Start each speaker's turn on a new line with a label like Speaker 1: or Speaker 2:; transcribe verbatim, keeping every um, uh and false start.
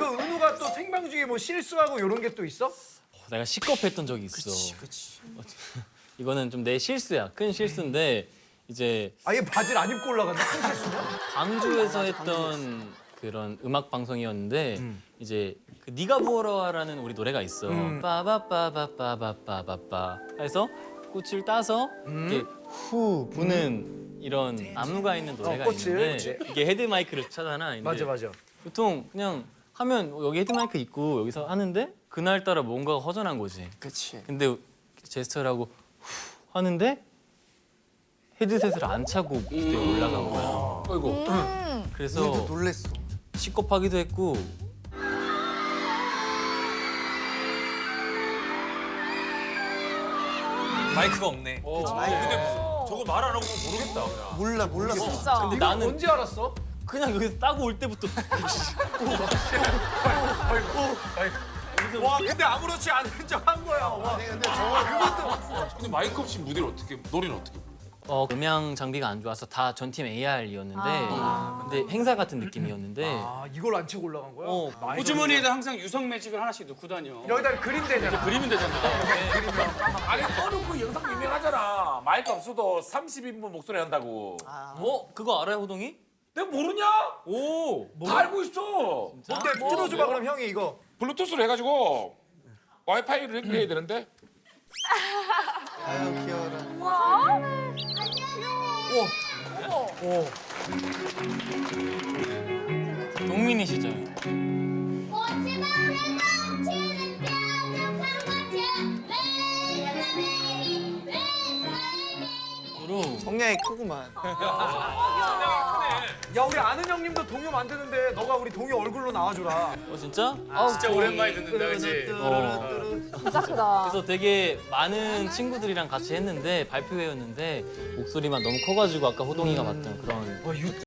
Speaker 1: 그 은우가 또 생방 중에 뭐 실수하고 이런 게 또 있어?
Speaker 2: 내가 시겁했던 적이 있어.
Speaker 3: 그치, 그치.
Speaker 2: 이거는 좀 내 실수야. 큰 실수인데 이제
Speaker 1: 아예 바지를 안 입고 올라간다? 큰 실수냐?
Speaker 2: 광주에서 했던 그런 음악 방송이었는데 이제 그 네가 부어라라는 우리 노래가 있어. 빠바빠바빠바빠바빠 해서 꽃을 따서 이렇게 후 부는 이런 안무가 있는 노래가
Speaker 1: 어, 꽃을,
Speaker 2: 있는데
Speaker 1: 그치.
Speaker 2: 이게 헤드 마이크를 차잖아. 근데
Speaker 1: 맞아 맞아.
Speaker 2: 보통 그냥 하면 여기 헤드 마이크 있고 여기서 하는데 그날따라 뭔가가 허전한 거지.
Speaker 3: 그치.
Speaker 2: 근데 제스처를 하고 후 하는데 헤드셋을 안 차고 무대에 올라간 거야.
Speaker 4: 아이고.
Speaker 2: 그래서
Speaker 3: 놀랬어.
Speaker 2: 시겁하기도 했고
Speaker 5: 마이크가 없네.
Speaker 4: 어.
Speaker 5: 근데 저거 말 안 하고 모르겠다. 그냥.
Speaker 3: 몰라, 몰랐어.
Speaker 4: 진짜.
Speaker 2: 근데
Speaker 1: 이거
Speaker 2: 나는
Speaker 1: 언제 알았어?
Speaker 2: 그냥 여기서 따고 올 때부터
Speaker 5: 와 근데 아무렇지 않은 척 한 거야. 와.
Speaker 3: 아니, 근데 저거
Speaker 4: 근데 마이크 없이 무대를 어떻게 노래는 어떻게?
Speaker 2: 어, 음향 장비가 안 좋아서 다 전 팀 에이알이었는데 근데 행사 같은 느낌이었는데
Speaker 1: 아 이걸 안 채고 올라간 거야?
Speaker 2: 어,
Speaker 6: 호주머니에다 항상 유성 매직을 하나씩 넣고 다녀.
Speaker 1: 여기다 그림 되잖아.
Speaker 6: 그리면 되잖아.
Speaker 4: 아니 너는 그 영상 유명하잖아. 마이크 없어도 삼십 인분 목소리 한다고.
Speaker 2: 어? 그거 알아요 호동이?
Speaker 4: 내가 모르냐?
Speaker 2: 오!
Speaker 4: 다 알고 있어.
Speaker 1: 뭔데 틀어줘봐 그럼 형이 이거.
Speaker 4: 블루투스로 해가지고 와이파이를 연결해야 되는데.
Speaker 3: 아유, 귀여워라.
Speaker 2: 동민이 시절
Speaker 7: 꽃이 밤에 넘치는 뾰족한 꽃은 매일매일 매일매일
Speaker 2: 으로
Speaker 3: 성량이 크구만.
Speaker 1: 야 우리 아는 형님도 동요 만드는데 너가 우리 동요 얼굴로 나와줘라.
Speaker 2: 어 진짜? 아
Speaker 6: 진짜 오랜만에 듣는다, 그치?
Speaker 2: 어.
Speaker 4: 진짜 크다.
Speaker 2: 그래서 되게 많은 친구들이랑 같이 했는데 발표회였는데 목소리만 너무 커가지고 아까 호동이가 봤던 그런